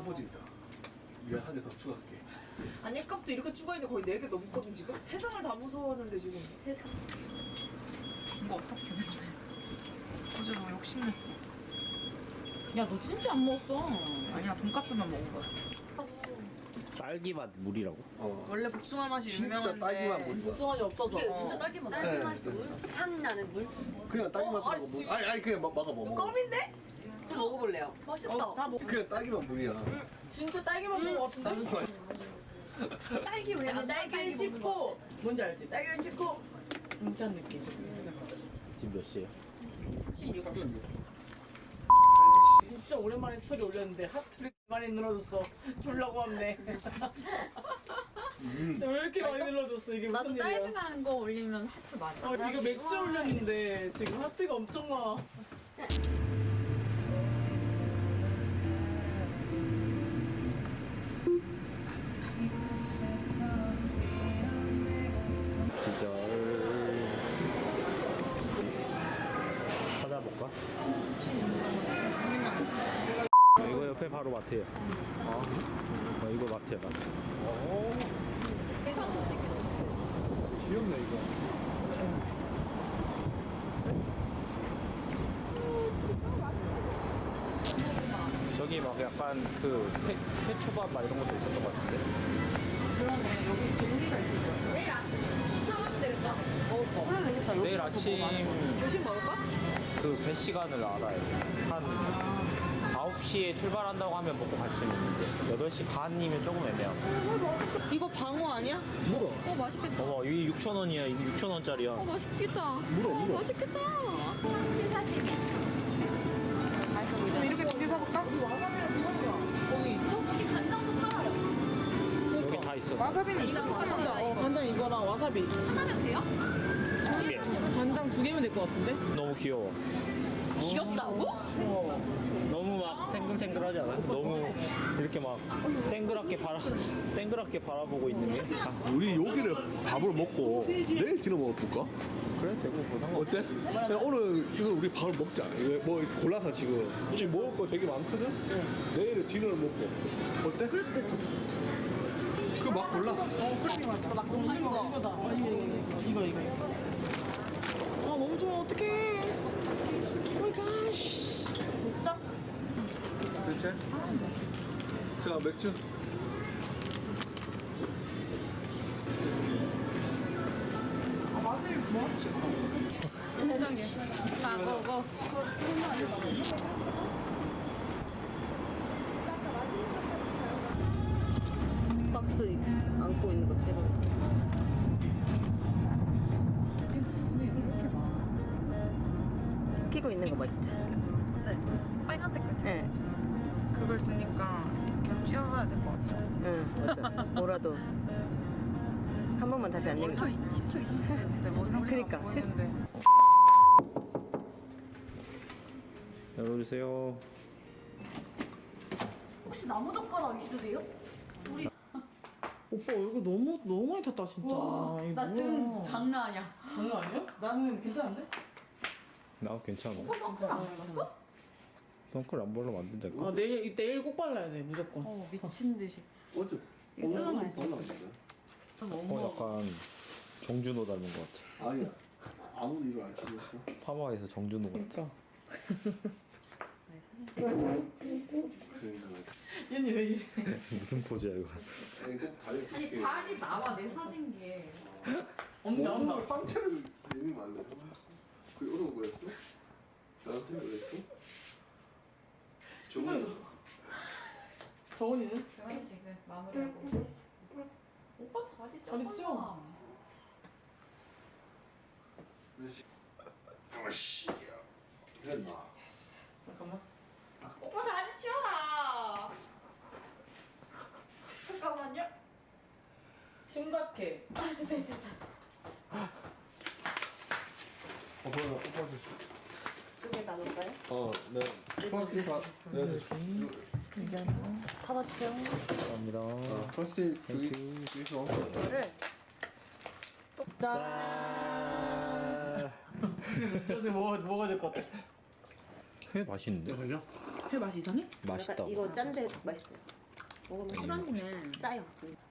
퍼진다. 미안, 한 개 더 추가할게. 아니 값도 이렇게 추가했는데 거의 4개 넘거든 지금? 세상을 다 무서워하는데 지금. 세상. 이거 어떻게 근데. 어제 너무 욕심냈어. 야, 너 진짜 안 먹었어. 아니야, 돈까스만 먹은 거야. 딸기맛 물이라고? 원래 복숭아 맛이 진짜 유명한데 딸기만 물이다. 복숭아맛이 없어서. 이게 진짜 딸기맛. 네. 딸기 맛이 물? 향 나는 물? 그냥 딸기만 아, 들어가 씨. 물. 아니 그냥 막아 먹어. 껌인데? 좀 먹어볼래요. 맛있다. 다 먹. 그냥 딸기만 물이야. 진짜 딸기만 먹은 거 같은데? 딸기 왜? 약간 딸기를 씹고 뭔지 알지? 딸기를 씹고 이렇게 한 느낌. 지금 몇 시에요? 16. 진짜 오랜만에 스토리 올렸는데 하트를 많이 늘어줬어. 졸라고 합네. 왜 이렇게 많이 늘어줬어? 이게 나도 무슨 딸기 일이야? 가는 거 올리면 하트 많이. 이거 맥주 올렸는데 지금 하트가 엄청 많아. 기절. 찾아볼까? 이거 옆에 바로 마트예요. 이거 마트야, 마트. 귀엽네 이거. 저기 막 약간 그 회초밥 막 이런 것도 있었던 것 같은데. 그러네. 여기 종류가 있을 거야. 내일 아침에 사가면 되겠다. 그래 되겠다. 여기 내일 아침 조심 먹을까? 그 배 시간을 알아요. 한 9시에 출발한다고 하면 먹고 갈 수 있는데 8시 반이면 조금 애매하고. 이거 방어 아니야? 물어. 맛있겠다. 봐봐, 이게 6,000원이야. 이게 6,000원짜리야. 맛있겠다. 물어. 맛있겠다. 참치 사시미. 맛있어 보이잖아. 그럼 이렇게 2개 사볼까? 와사비랑 무사비야. 거기 있어? 여기 간장도 팔아요. 여기 다 있어. 와사비는 있어? 간장. 간장 이거랑 와사비. 하나면 돼요? 두 개. 간장 2개면 될 것 같은데? 너무 귀여워. 귀엽다고? 너무 막 탱글탱글하지 않아? 너무 이렇게 막 땡그랗게 바라보고 있는 게. 우리 여기를 밥을 먹고 내일 지나 먹어볼까? 그래 되고 뭐 상관없어. 어때? 야, 오늘 이거 우리 밥을 먹자. 이거 뭐 골라서 지금 먹을 거 되게 많거든? 내일은 디너를 먹고. 어때? 그 막 골라. 막 녹는 거. 이거다. 이거. 아 너무 좋아. 어떡해. 오 마이 갓. 됐어? 그렇지? 자 맥주. 아 맛을 뭐? 세상에. 다 먹어. 박스 안고 있는 거 찍어. 끼고 있는 거 맞지? 빨간색 거. 응, 그걸 드니까 그냥 쥐어가야 될 것 같아. 응, 맞아. 뭐라도 한 번만 다시 안 얘기. 10초 이상. 근데 머리 그니까. 보이는데. 열어주세요. 혹시 나무젓가락 있으세요? 오빠 얼굴 너무 많이 탔다 진짜. 이거 나 뭐야. 지금 장난 아니야. 장난 아니야? 나는 괜찮은데? 나 괜찮아. 오빠 선크림 안 발랐어? 선크림 안 발라면 안 된다니까. 아 내일 꼭 발라야 돼 무조건. 미친 듯이. 어제 뜯어놔야지. 약간 정준호 닮은 것 같아. 아니야. 아무도 이걸 안 찍었어. 파마에서 정준호 같아. 그러니까. 그러니까. 얘는 왜 이래? 무슨 포즈야 이거? 아니 꼭 다리 두 아니 개. 발이 나와 내 사진기에. 없나? 몸으로 상체를 내밀면 안 돼. 그게 어려운 거였어? 나한테 그랬어? 정말 정훈이는? 저희 지금 마무리하고 있어. 오빠 다리 다리 찌워. 아씨 됐나? 잠깐만. 오빠 다리 치워라. 잠깐만요. 심각해. 뭐야 뽑아줘. 두개 나눌까요? 네. 플라스틱 다. 네. 받아주세요. 감사합니다. 플라스틱 주의서. 이거를 짠. 그래서 뭐가 될 것 같아? 회 맛있는데? 그죠? 회 맛이 이상해? 맛있다. 이거 짠데 맛있어요. 먹으면 술 한 입에 짜요.